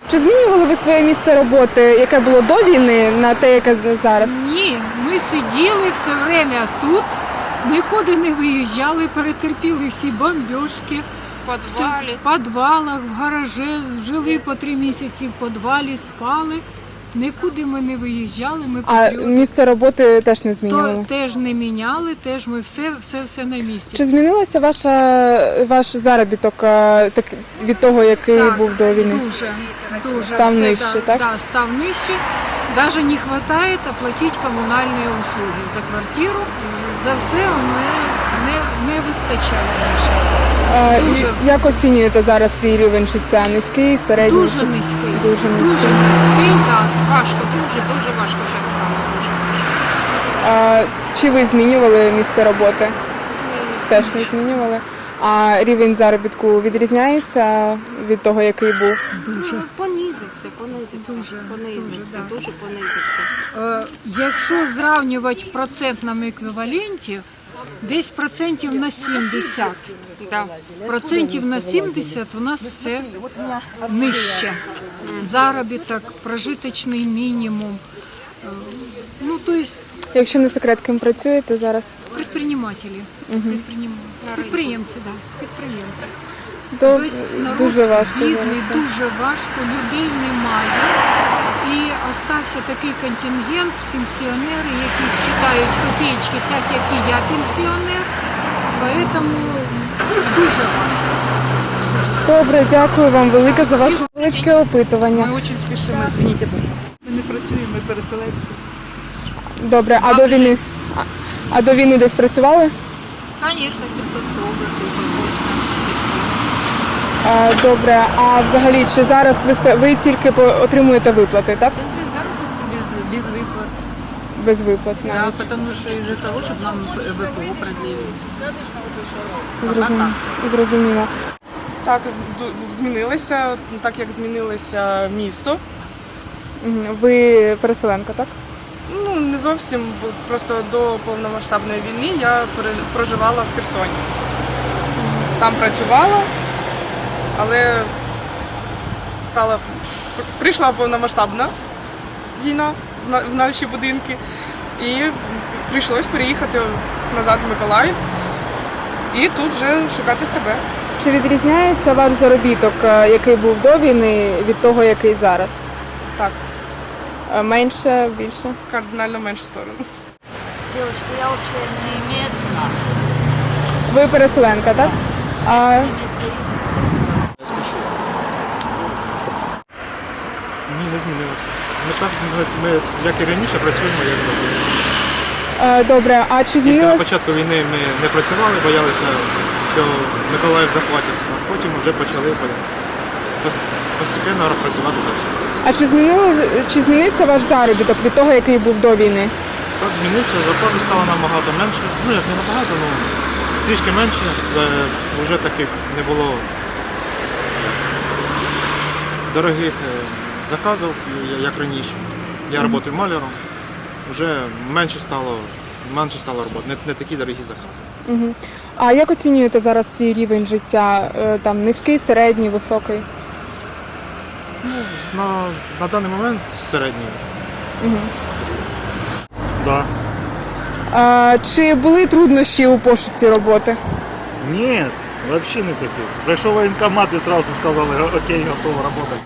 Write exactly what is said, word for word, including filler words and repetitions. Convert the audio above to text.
Чи змінювали ви своє місце роботи, яке було до війни, на те, яке зараз? Ні, ми сиділи все время тут, нікуди не виїжджали, перетерпіли всі бомбіжки. В підвалі. В підвалах, в гаражі, жили по три місяці в підвалі, спали. Нікуди ми не виїжджали, ми А патріоти. місце роботи теж не То змінювали? теж не міняли, теж ми все, все, все на місці. Чи змінилося ваша, ваш заробіток е, так, від того, який Так, був до війни? Дуже, дуже. Став Все, нижче, да, так? Да, став нижче. Даже не вистачає оплатити комунальні услуги за квартиру. За все не, не, не вистачає більше. А, Дуже. і як оцінюєте зараз свій рівень життя? Низький, середній? Дуже низький. Дуже низький. Дуже низький, так. Важко, дуже, дуже важко зараз стало. Дуже важко. А, с- чи ви змінювали місце роботи? Теж не змінювали. А рівень заробітку відрізняється від того, який був? Дуже. Понизився, понизився. Дуже, понизився, дуже, да. дуже понизився. Е, Якщо зрівнювати в процентному еквіваленті, десь процентів на сімдесят. Да. Процентів на сімдесят у нас все нижче. Заробіток, прожиточний мінімум. Е, Ну, то есть Якщо не секрет, ким працюєте зараз? предпринимателі, предприним... підприємці, да, підприємці. То Тобто народ дуже важко бідний, зараз. так. дуже важко, людей немає. І остався такий контингент, пенсіонери, які вважають копійки, так як і я пенсіонер. Тому дуже важко. Добре, дякую вам велике за ваше величке опитування. Ми дуже спішимо, звініть, пожалуйста. Ми не працюємо, ми переселенці. Добре, а до війни? А, а до війни десь працювали? Звісно, п'ятсот доларів. А, добре, а взагалі, чи зараз ви, ста- ви тільки по- отримуєте виплати, так? Без заробітку, без, без виплат. Без виплат Да, навіть. потому что из-за того, чтобы нам ВПО продлили. Зрозуміло. Зрозуміло. Так, з- ду- змінилися, так як змінилося місто. Мгм. Ви переселенка, так? Ну, не зовсім, бо просто до повномасштабної війни я пере- проживала в Херсоні. Там працювала, але стала, прийшла повномасштабна війна в на- в наші будинки. І прийшлось переїхати назад в Миколаїв і тут вже шукати себе. Чи відрізняється ваш заробіток, е, який був до війни, від того, який зараз? Так, Е, Менше, більше? кардинально меншу сторону. Девочка, я вообще не местна. Ви переселенка, так? А Ні, не змінилося. Ми так, ми, ми, як і раніше, працюємо, як завжди. е, добре, а чи Тільки на змінилось? початку війни ми не працювали, боялися, що Миколаїв захватять, а потім вже почали пос- постійно працювати далі. А чи змінило чи змінився ваш заробіток від того, який був до війни? Так змінився, зарплати стало набагато менше. Ну як не набагато, ну трішки менше. За, вже таких не було дорогих е, заказів, я- як раніше. Я працюю маляром, вже менше стало, менше стало роботи, не, не такі дорогі закази. Угу. А як оцінюєте зараз свій рівень життя? Е, Там низький, середній, високий? Ну, на, на даний момент середній. Да. А, чи були труднощі у пошуці роботи? Нет, вообще никаких. Пришел в военкомат и сразу сказали, окей, готов работать.